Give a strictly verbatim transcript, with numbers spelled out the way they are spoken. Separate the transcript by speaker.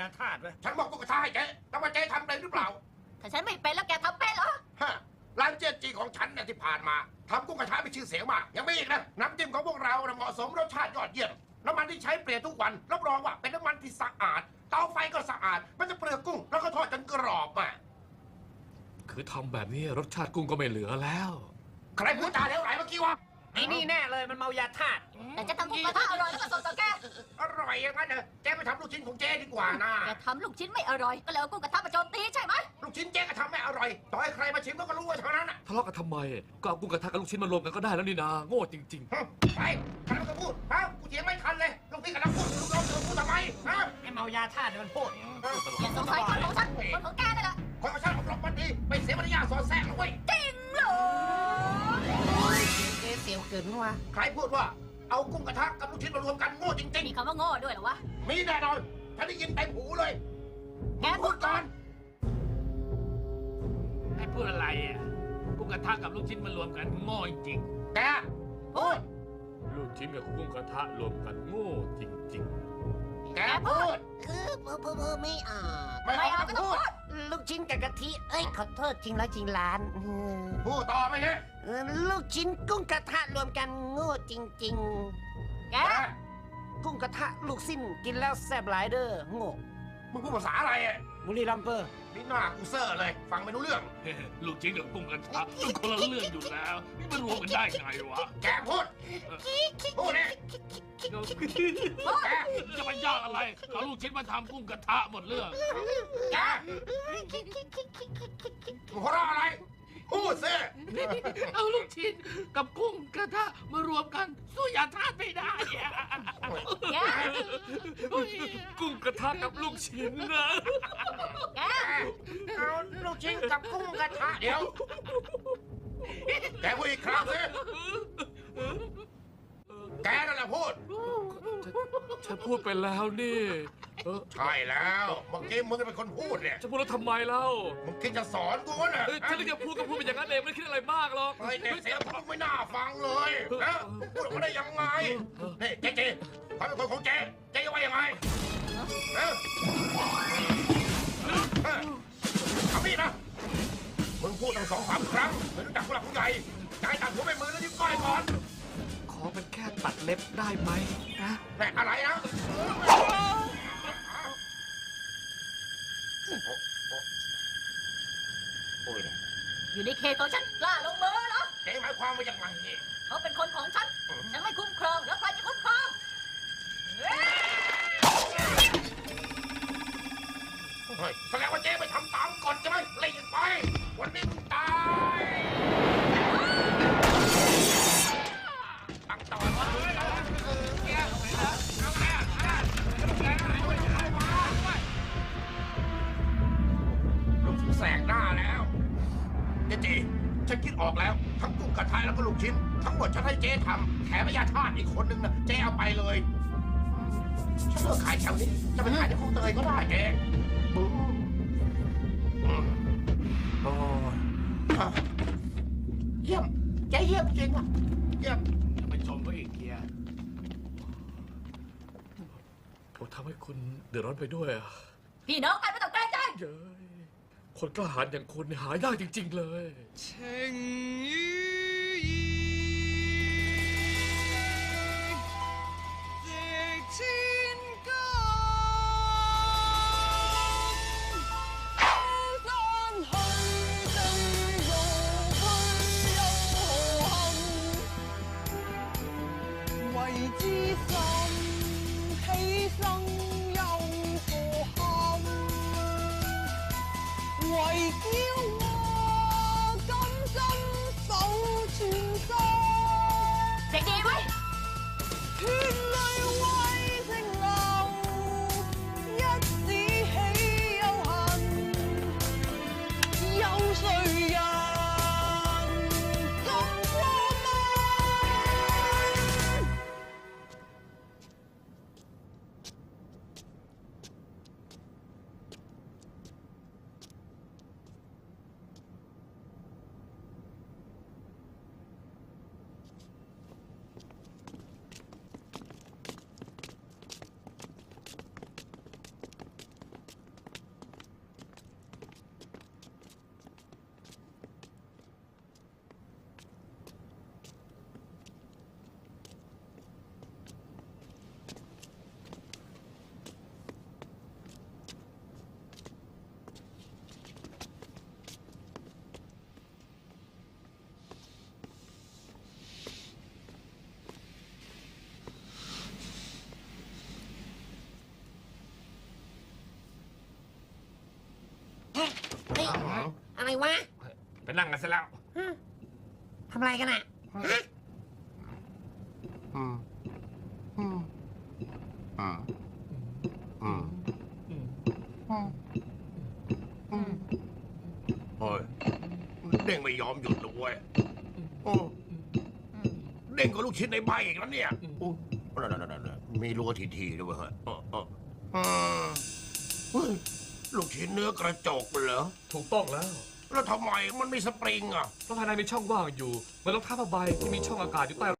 Speaker 1: ยาธาตุไหม
Speaker 2: ฉันบอกกุ้งกระทะให้เจ๊แล้วว่าเจ๊ทำเป็นหรือเปล่า
Speaker 3: ถ้าฉันไม่เป็นแล้วแกทำเป็นเหรอ
Speaker 2: ฮะร้านเจ๊จีของฉันเนี่ยที่ผ่านมาทำกุ้งกระทะมีชื่อเสียงมากยังไม่อีกนะน้ำจิ้มของพวกเราเหมาะสมรสชาติยอดเยี่ยมน้ำมันที่ใช้เปลี่ยนทุกวันรับรองว่าเป็นน้ำมันที่สะอาดเตาไฟก็สะอาดมันจะเปลือกกุ้งแล้วก็ทอดจนกรอบอ่ะ
Speaker 4: คือทำแบบนี้รสชาติกุ้งก็ไม่เหลือแล้ว
Speaker 2: ใครพูดจาเหลวไหลเมื่อกี้วะ
Speaker 1: ไอ้นี่แน่เลยมันเมายาธาตุ
Speaker 3: แต่จะทำกุ้งกระทะอร่อยก็สดต่อแก
Speaker 2: อร่อยอย่างนั้นเนอะเจ๊ไปทำลูกชิ้นของเจ๊ดีกว่านะ
Speaker 3: แกทำลูกชิ้นไม่อร่อยก็เลยเอากุ้งกระทะมาโจมตีใช่ไหม
Speaker 2: ลูกชิ้นเจ๊ก็ทำไม่อร่อยต่อให้ใครมาชิมก็รู้ว่าเท่านั้นอ่ะ
Speaker 4: ทะเลาะกันทำไมก็เอากุ้งกระทะกับลูกชิ้นมารวมกันก็ได้แล้วนี่นาโง่จริง
Speaker 2: ๆไปใครก็พูดฮะกูเถียงไม่ทันเลยลูกพี่กับน้ำพูดลูกน้องเธอพูดทำไมฮะ
Speaker 1: ไอ้เมายาธาตุมันพูด
Speaker 3: อย่าสงสัยคนของฉันคนของแกนั่นแหละ
Speaker 2: คนของฉันผมหลบมันดีไม่เสียมารยาทสอนแทรกเลย
Speaker 3: จริงเหรอ
Speaker 1: เจ๊เสียวเกินวะ
Speaker 2: ใครพูดว่าเอากุ้งกระทะกับลูกชิ้นมารวมกันโง่จริงๆ
Speaker 3: มีคำว่าโง่ด้วยเหรอวะ
Speaker 2: มีแน่นอนฉันได้ยินเต็มหูเลย
Speaker 3: แกพูดก่อน
Speaker 1: ไอ้พูดอะไรอ่ะกุ้งกระทะกับลูกชิ้นมารวมกันโง่จริง
Speaker 2: แกพูด
Speaker 4: ลูกชิ้นกับกุ้งกระทะรวมกันโง่จริง
Speaker 2: ๆแกพูด
Speaker 5: คือเพ้อเพ้อไม่อ่าน
Speaker 2: ไม่เอาก็ต้องพูด
Speaker 5: ลูกชิ้นกับกะทิเอ้ยขอโทษจริงแล้วจริงล้าน
Speaker 2: พูดต่อไหมเนี่ย
Speaker 5: ลูกชิ้นกุ้งกระทะรวมกันโง่จริง
Speaker 3: ๆแก
Speaker 5: กุ้งกระทะลูกสิ้นกินแล้วแซ่บหลายเด้อโง่
Speaker 2: มึงพูดภาษาอะไรอ่ะ
Speaker 1: บุรีรัมย์เปอร์
Speaker 2: นี่หน้ากูเซอร์เลยฟังไม่รู้เรื่อง
Speaker 4: ลูกชิ้นกับกุ้งกระทะมันคนละเรื่องอยู่แล้วนี่มันรวมกันได้ไงวะ
Speaker 2: แกพูดพูดเนี่ย
Speaker 4: แกจะไปยากอะไรเอาลูกชิ้นมาทำกุ้งกระทะหมดเรื่อง
Speaker 2: แกหัวเราะอะไรพูดสิ
Speaker 4: เอาลูกชิ้นกับกุ้งกระทะมารวมกันสู้ยาธาตุไม่ได้กุ้งกระทะกับลูกชิ้นนะ
Speaker 2: แกเอาลูกชิ้นกับกุ้งกระทะเดี๋ยวแกพูดอีกครั้งสิแกนั่นแหละพูด
Speaker 4: ฉันพูดไปแล้วนี่
Speaker 2: ใช่แล้วเมื่อกี้มึงเป็นคนพูดเนี่ย
Speaker 4: จะพูดแล้วทำไมเล่า
Speaker 2: มึงคิดจะสอนกูน่ะ
Speaker 4: ฉันเลยจะพูดก็พูดเป็นอย่างนั้นเองไม่คิดอะไรมากหรอก
Speaker 2: เฮ้ยเด็กเสียงมึงไม่น่าฟังเลยนะมึงพูดออกมาได้ยังไงนี่เจ๊เจ๊เขาเป็นคนของเจ๊เจ๊ว่ายังไงเออทำนี่นะมึงพูดตั้งสองสามครั้งไม่รู้จักผู้หลักผู้ใหญ่ใจตัดหัวไปมือแล้วยิ้มก้อยก่อน
Speaker 4: ขอเป็นแค่ตัดเล็บได้ไหมนะ
Speaker 2: แม่อะไรนะ
Speaker 3: อยู่ในเขตของฉันกล้าลงมือเหรอ
Speaker 2: เจ๊หมายความว่าอย่างไร
Speaker 3: เขาเป็นคนของฉันฉันไม่คุ้มครองแล้วใครจะคุ้มครอง
Speaker 2: แสดงว่าเจ๊ไปทำตามกฎใช่ไหมไล่ยิงไปวันนี้มึงตายตั้งต่อว่าลูกแสกหน้าแล้วเจ๊จีฉันคิดออกแล้วทั้งกุ้งกระทะแล้วก็ลูกชิ้นทั้งหมดฉันให้เจ๊ทำแถมยาธาตุอีกคนนึงนะเจ๊เอาไปเลยฉันเลิกขายแถวนี้จะไปขายที่คลองเตยก็ได้เจ๊โอ้เยี่ยมเจ๊เยี่ยมจริงอ่ะเยี่ยม
Speaker 1: ไปชมเขาอีกเกียร์
Speaker 4: ผมทำให้คุณเดือดร้อนไปด้วยอ่ะ
Speaker 3: พี่น้องกันไม่ต้องเกรงใจ
Speaker 4: เย้ยคนกล้าหาญอย่างคุณหายากจริงๆเลย
Speaker 6: 情与义值千金山去地獄去又何幸為之心犧牲又何幸為叫我甘心守
Speaker 5: ฮ้ย อะไรวะ
Speaker 4: ไปนั่งกันซะแล้ว
Speaker 5: ฮะทำอะไรกันอ่ะฮะ
Speaker 2: อืมอืมอืมอืมอืมอืมเฮ้ยเด้งไม่ยอมหยุดเลยเว้ยโอ้เด้งกับลูกชิ้นในใบอีกแล้วเนี่ยโอ้นั่นนั่นมีรัวทีๆด้วยเฮ้ยเออเอออืมเฮ้ยลูกชิ้นเนื้อกระจกเหรอ
Speaker 7: ถูกต้องแล้ว
Speaker 2: แล้วทำไมมันมีสปริงอ่ะ
Speaker 7: เพราะภายในมีช่องว่างอยู่เหมันรองเท้าผ้าใบที่มีช่องอากาศอยู่ใต้